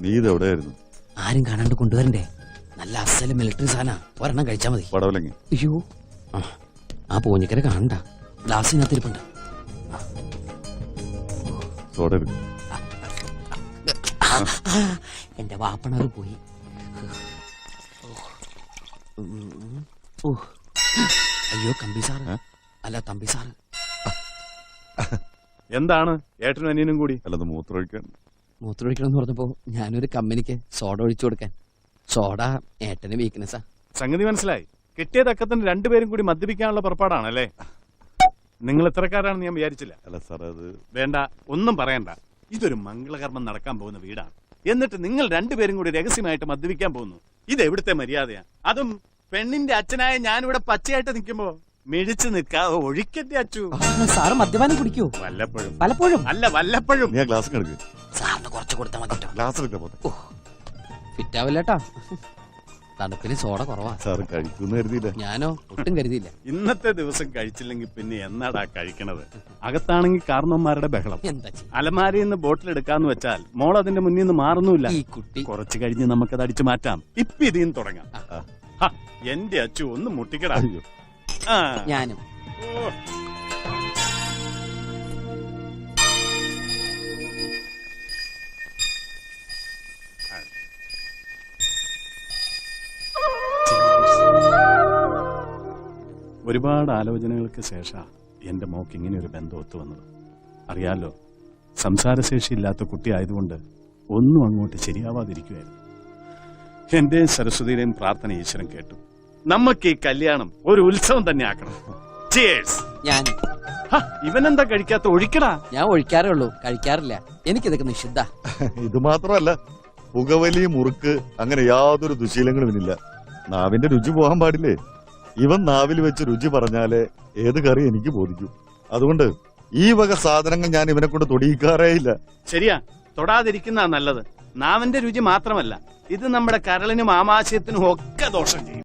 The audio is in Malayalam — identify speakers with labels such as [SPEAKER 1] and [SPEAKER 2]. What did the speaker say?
[SPEAKER 1] നീ ഇതെവിടെയായിരുന്നു?
[SPEAKER 2] ആരും കാണാണ്ട് കൊണ്ടുവരണ്ടേ? നല്ല അസല് മിലിറ്ററി സാധന, ഒരെണ്ണം കഴിച്ചാ മതി.
[SPEAKER 1] പടവലങ്ങി.
[SPEAKER 2] അയ്യോ, ആ പൂഞ്ഞിക്കര കാണണ്ട, ഗ്ലാസിനകത്തിരിപ്പുണ്ട്.
[SPEAKER 1] സോഡ എടുക്കും.
[SPEAKER 2] എന്റെ വാപ്പണത് പോയി. അയ്യോ കമ്പി സാറ്, അല്ല തമ്പി സാറ്.
[SPEAKER 3] എന്താണ് ഏട്ടനും അനിയനും കൂടി?
[SPEAKER 1] അല്ലത് മൂത്രമൊഴിക്കാൻ.
[SPEAKER 2] മൂത്രമൊഴിക്കണം എന്ന് പറഞ്ഞപ്പോ ഞാനൊരു കമ്പനിക്ക് സോഡ ഒഴിച്ചു കൊടുക്കാൻ. സോഡ ഏട്ടന് വീക്ക്നെസ്സാ.
[SPEAKER 3] സംഗതി മനസ്സിലായി. കിട്ടിയ തക്കത്തിന് രണ്ടുപേരും കൂടി മദ്യപിക്കാനുള്ള പുറപ്പാടാണല്ലേ? നിങ്ങൾ എത്രക്കാരാണെന്ന് ഞാൻ വിചാരിച്ചില്ല.
[SPEAKER 1] അല്ല സാർ, അത്
[SPEAKER 3] വേണ്ട, ഒന്നും പറയണ്ട. ഇതൊരു മംഗളകർമ്മം നടക്കാൻ പോകുന്ന വീടാണ്. എന്നിട്ട് നിങ്ങൾ രണ്ടുപേരും കൂടി രഹസ്യമായിട്ട് മദ്യപിക്കാൻ പോകുന്നു. ഇത് എവിടുത്തെ മര്യാദയാ? അതും പെണ്ണിന്റെ അച്ഛനായ ഞാനിവിടെ പച്ചയായിട്ട് നിൽക്കുമ്പോ മിഴിച്ചു നിൽക്കാതെ ഒഴിക്കട്ടെ അച്ചു.
[SPEAKER 2] സാറ് മദ്യപാനം കുടിക്കോ?
[SPEAKER 3] വല്ലപ്പോഴും.
[SPEAKER 2] പലപ്പോഴും
[SPEAKER 3] അല്ല, വല്ലപ്പോഴും.
[SPEAKER 1] നീ ആ ഗ്ലാസ് കിടക്ക്.
[SPEAKER 2] സാറിന് കുറച്ച് കൊടുത്താൽ മതി.
[SPEAKER 1] ഗ്ലാസ് എടുക്കാൻ പോട്ടെ.
[SPEAKER 2] ഫിറ്റാവില്ലേട്ടാ, തണുപ്പിന് സോഡ കുറവാ.
[SPEAKER 1] സാറ് കഴിക്കുന്നു കരുതിയില്ല.
[SPEAKER 2] ഞാനോ ഒട്ടും കരുതിയില്ല.
[SPEAKER 3] ഇന്നത്തെ ദിവസം കഴിച്ചില്ലെങ്കിൽ പിന്നെ എന്നാടാ കഴിക്കണത്? അകത്താണെങ്കിൽ കാരണവന്മാരുടെ ബഹളം.
[SPEAKER 2] എന്താ
[SPEAKER 3] അലമാരിയിൽ നിന്ന് ബോട്ടിൽ എടുക്കാന്ന് വെച്ചാൽ മോൾ അതിന്റെ മുന്നിൽ നിന്ന് മാറുന്നില്ല.
[SPEAKER 2] ഈ കുട്ടി
[SPEAKER 3] കുറച്ച് കഴിഞ്ഞ് നമുക്കത് അടിച്ചു മാറ്റാം. ഇപ്പൊ ഇതിൽ നിന്ന് തുടങ്ങാം. എന്റെ അച്ചു ഒന്ന് മുട്ടിക്കടാ.
[SPEAKER 2] ഞാനും
[SPEAKER 3] ഒരുപാട് ആലോചനകൾക്ക് ശേഷം എന്റെ മോക്ക് ഇങ്ങനെ ഒരു ബന്ധം ഒത്തു വന്നത്. അറിയാലോ, സംസാരശേഷി ഇല്ലാത്ത കുട്ടി ആയതുകൊണ്ട് ഒന്നും അങ്ങോട്ട് ശരിയാവാതിരിക്കുമായിരുന്നു. എന്റെയും സരസ്വതിയുടെയും പ്രാർത്ഥന ഈശ്വരൻ കേട്ടു. നമുക്ക് ഈ കല്യാണം ഒരു ഉത്സവം തന്നെ ആക്കണം.
[SPEAKER 2] ഞാൻ
[SPEAKER 3] ഇവനെന്താ കഴിക്കാത്ത? ഒഴിക്കടാ.
[SPEAKER 2] ഞാൻ ഒഴിക്കാറേ ഉള്ളൂ, കഴിക്കാറില്ല. എനിക്കിതൊക്കെ നിഷിദ്ധ.
[SPEAKER 1] ഇത് മാത്രമല്ല, പുകവലി, മുറുക്ക്, അങ്ങനെ യാതൊരു ദുശീലങ്ങളും ഇല്ല. നാവിന്റെ രുചി പോകാൻ പാടില്ലേ? ഇവൻ നാവിൽ വെച്ച് രുചി പറഞ്ഞാലേ ഏത് കറി എനിക്ക് ബോധിക്കും. അതുകൊണ്ട് ഈ വക സാധനങ്ങൾ ഞാൻ ഇവനെ കൊണ്ട് തൊടിയിക്കാറേ ഇല്ല.
[SPEAKER 3] ശരിയാ, തൊടാതിരിക്കുന്ന നല്ലത്. നാവിന്റെ രുചി മാത്രമല്ല, ഇത് നമ്മുടെ കരളിനും ആമാശയത്തിനും ഒക്കെ ദോഷം ചെയ്യും.